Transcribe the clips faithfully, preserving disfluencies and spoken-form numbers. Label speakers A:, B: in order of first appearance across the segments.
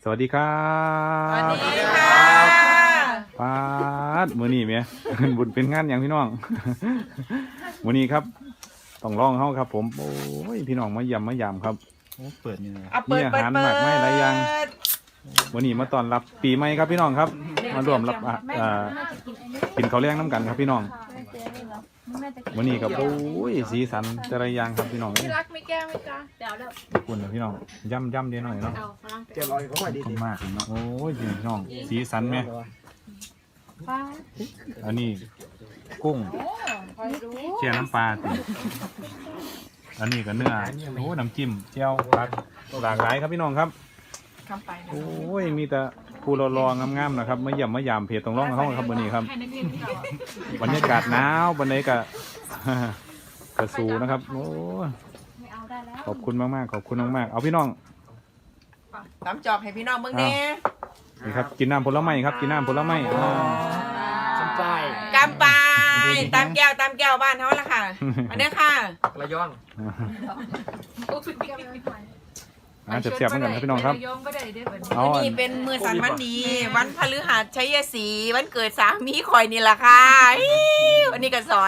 A: สวัสดีครับ
B: สวัสดีค่ะ
A: ปาดมื้อนี้แม่ บุญเป็นงานอย่างพี่น้อง มื้อนี้ครับต้องลองเฮาครับ ผมโอ้ยพี่น้องมาเยี่ยมมายามครับ
C: โอ้เปิดนี่เลย
B: เอาเปิด
A: มีอา
B: เปิด
A: หาร
B: เปิ
A: ห
B: ด
A: มากไม้หลายอย่าง วันนี้มาต้อนรับปีใหม่ครับพี่น้องครับ มาร่วมรับอ่ะอ่ากินข้าวเลี้ยงน้ำกันครับพี่น้องวันนี้ครับโอ้ยสีสันแต่ละอย่างครับพี่น้อง
D: พี่รักไม่แก้วไหมจ๊ะเดี๋ยวแล้ว
A: ขอบคุณนะพี่น้องย่ำย่ำเดียวหน่อยเนาะ
D: เอาฝรั่ง
C: เจ็ดร้อยก็ค่อย
A: ข
C: ดี
A: อบคุ
C: ดี
A: ณมากเนาะโอ้ยพี่น้องสีสันไหม
D: ป้า
A: อันนี้กุ้ง
D: โอ้คอยรู้
A: เจียวน้ำปลาติอันนี้ก็เนื้อโอ้น้ำจิ้มเจียวผักหลากหลายครับพี่น้องครับ
B: คำไปนะ
A: โอ้ยมีแต่ผู้รอๆงามๆนะครับมาเยี่ยมมายามเพจตรงร่องเขาครับวันนี้ครับ
D: ให้นักเรียนที่เราอ่ะ
A: บรรยากาศหนาวบรรยากาศ กระสูนะครับโอ้ย
D: ไม่เอาได้แล้ว
A: ขอบคุณมากๆขอบคุณมากๆเอาพี่น้อง
B: ตำจอกให้พี่น้องเมืองแน่
A: นี่ครับกินน้ำผลไม้ครับกินน้ำผลไม้อ่า
C: สัมปาย
B: กำปายตามแก้วตามแก้วบ้านเขาละค่ะ อันนี้ค่ะ
C: ระยอง
D: โอ้สุดยอดเลย
A: อ่าเสียบๆเหมือนกันครับพี่น้องครับ
D: โยงก็ได้เด้อเปิด
A: เอา
B: วัน
A: อัน
B: นี้เป็นมือสันวันดี วันพฤหัสชัยศรีวันเกิดสามีคอยนี่แหละค่ะอิ๊ววันนี้ก็ซอย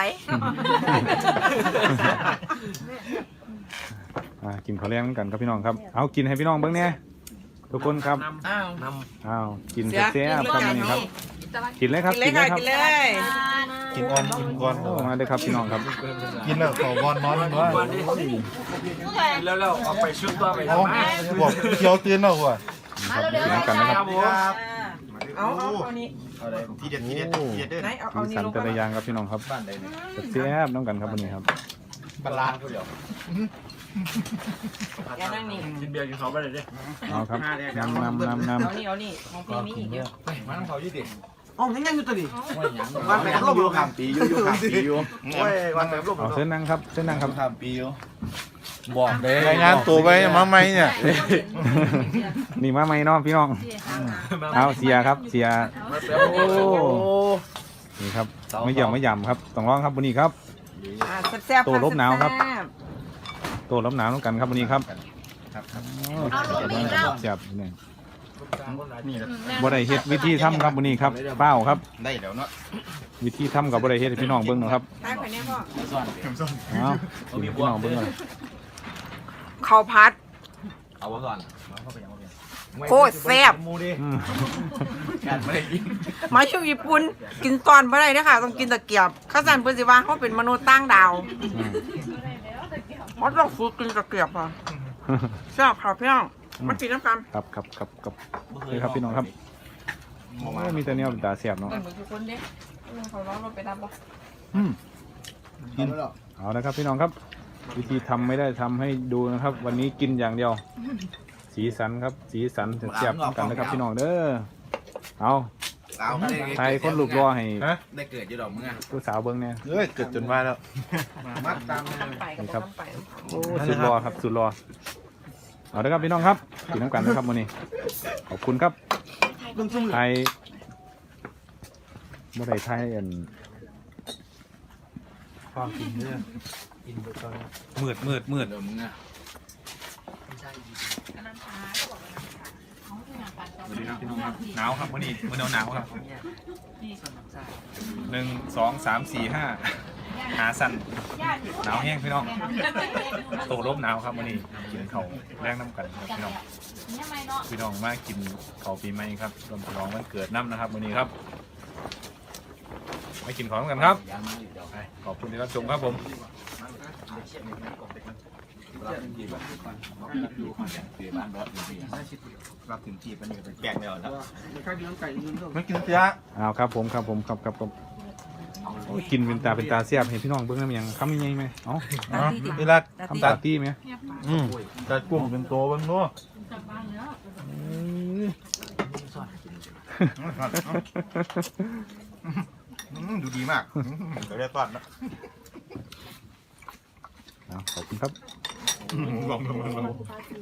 A: อ่ากินข้าวแรงเหมือนกันครับพี่น้องครับเอากินให้พี่น้องเบิ้งเนี่ยทุกคนครับ
B: อ้าว
C: น
A: อ้าวกิน
B: เสือ
A: แซ่บๆครับ
B: กิน
A: นี่
B: เลย
A: ครับ
D: ตะวัน
A: กินเลยครับ
B: กินเลยค่ะกินเลย
E: กินก่อนกินก่อน
A: โอ้มาเลยครับพี่น้องครับ
E: กินแล้วขอก่อนนอนด้วย
C: ำแล้วเราเอาไปชุดตัวไป
E: เอาบอกเคี้ยวตื่นแล้วว่ะ
A: ครับกินน้ำกันนะครับ
B: เอาเอาเอานี้
E: ทีเด็ดทีเด็ดทีเด็ดเด้อ
B: ไหนเอาเอา
A: สี
B: นี้
A: สัน
B: ลง
A: แต่
B: ไป
A: ละอย่างครับพี่น้องครับแซ่บๆน้ำกันครับวันนี้ครับ
E: บาลานซ์
B: แกนั่งนี่
C: กินเบียร์กินเขาไปเลยดิ
A: เอาครับน้ำน้ำน้ำน้
B: เอานี่เอานี่ของพี่มีอีกเยอะ
E: มาน้ำเขายี่ดิ
C: อ๋อยังยังอยู่ตัวนี้
E: วันแม่ร่วมอยู่ขามปีอยู่อยู่ขามปีอยู่โอ้ยวันแม่ร่วม
A: ำเอาเส้นนั่งครับเส้นนั่งครับ
E: ขามปีอยู่บอกเลยรายงานตัวไปมาไหมเนี่ย
A: นี่มาไหมเน้องพี่น้องเอาเสียครับเสียโอ้นี่ครับไม่หย่ำไม่หย่ำครับต้องร้องครับวันนี้ครับ
B: อ่าแซ่บๆ
A: ตัวลบหนาวครับ
B: แซ่บ
A: ตัวรับหนาวน้ำกันครับวันนี้ครับ
D: เอาลงไปอีกแล้ว
A: เสียบนี่บ่ได้เฮ็ดวิธีทำครับวันนี้ครับเป้าครับ
E: ได้แล้วเนาะ
A: วิธีทำกับบ่ได้เฮ็ดให้พี่น้องเบิ่งเนาะครับ
B: ๆใต้ไข่เนี่ยพ่อ
A: เอาให้พี่น้องเบิ่งเลย
B: ข้าวผัด
E: เอาไว้ก่อน
B: โคตรแซ่บ
A: อืม
E: ไม่ได้กิน
B: มาอยู่ญี่ปุ่นกินตอนบ่ได้เด้อค่ะต้องกินตะเกียบเข้าใจเพิ่นสิว่าเขาเป็นมนุษย์ต่างดาว
A: อืม
B: เขาต้องฝึกกินตะเกียบอ่ะแซ่บค่ะพี่น้องมากินน้ำกัน
A: ครับครับครับครับนี่ครับพี่น้องครับโอ้ยมีแต่แนวตาเสียบเนาะ
B: เหมือนทุกคนเด้เขาร้องเราไปรับบ่
A: อืม
E: กินแล้ว
A: เอาละครับพี่น้องครับ วิธีทำไม่ได้ทำให้ดูนะครับ วันนี้กินอย่างเดียว สีสันครับ สีสันเสียบๆกันนะครับพี่น้องเด้อเอา
E: เอา
A: ไทยคนลูกรอให้
E: ได้เกิดอยู่ดอกมึงอ่ะ
A: ผู้สาวเบิ่งเนี่ย
E: เฮ้ยเกิดจนมาแล้วมัดตาม
B: น้ำไปกับน้ำไป
A: โอ้สุดรอครับสุดรอเอาละครับพี่น้องครับกินน้ำกันนะครับวันนี้ขอบคุณครับไทยเมื่อไรไทยอัน
C: ความกินเนื้อกินไปตอนนี้
A: มืดมืดมืด
E: เดี๋ยวมึงอ่ะ
A: หนาวครับวันนี้วันนี้หนาวครับหนึ่งสองสามสี่ห้าหาสั่นหนาวแห้งพี่น้องโตลบหนาวครับวันนี้กินเขาวแรงน้ำกันครับพี่น้อง
D: เนี่ยไม่เนาะ
A: พี่น้องมากินเขาวปีใหม่ครับรวมฉลองวันเกิดน้ำนะครับวันนี้ครับมากินของกันครับไปขอบคุณที่รับชมครับผม
E: รับถึงจีบมันนี่เป็นแปลกแล้วแล้ว
C: ไม่กินเสีย
A: เอาครับผมครับผมครับครับผมโอ้ยกินเป็นตาเป็นตาเสียบเห็นพี่น้องเบิ้งน้ำยังคำยังไงไหมเอ้า
E: นี่ละ
A: คำตาตี้ไหม
E: อืมแต่กุ้งเป็นตัวบ้างเนาะ
D: กลับบ้านแล้ว
E: ดูดีมากเดี๋ยวได้ตอนนะ
A: เอาขอบคุณครับ
E: ลองลองลอง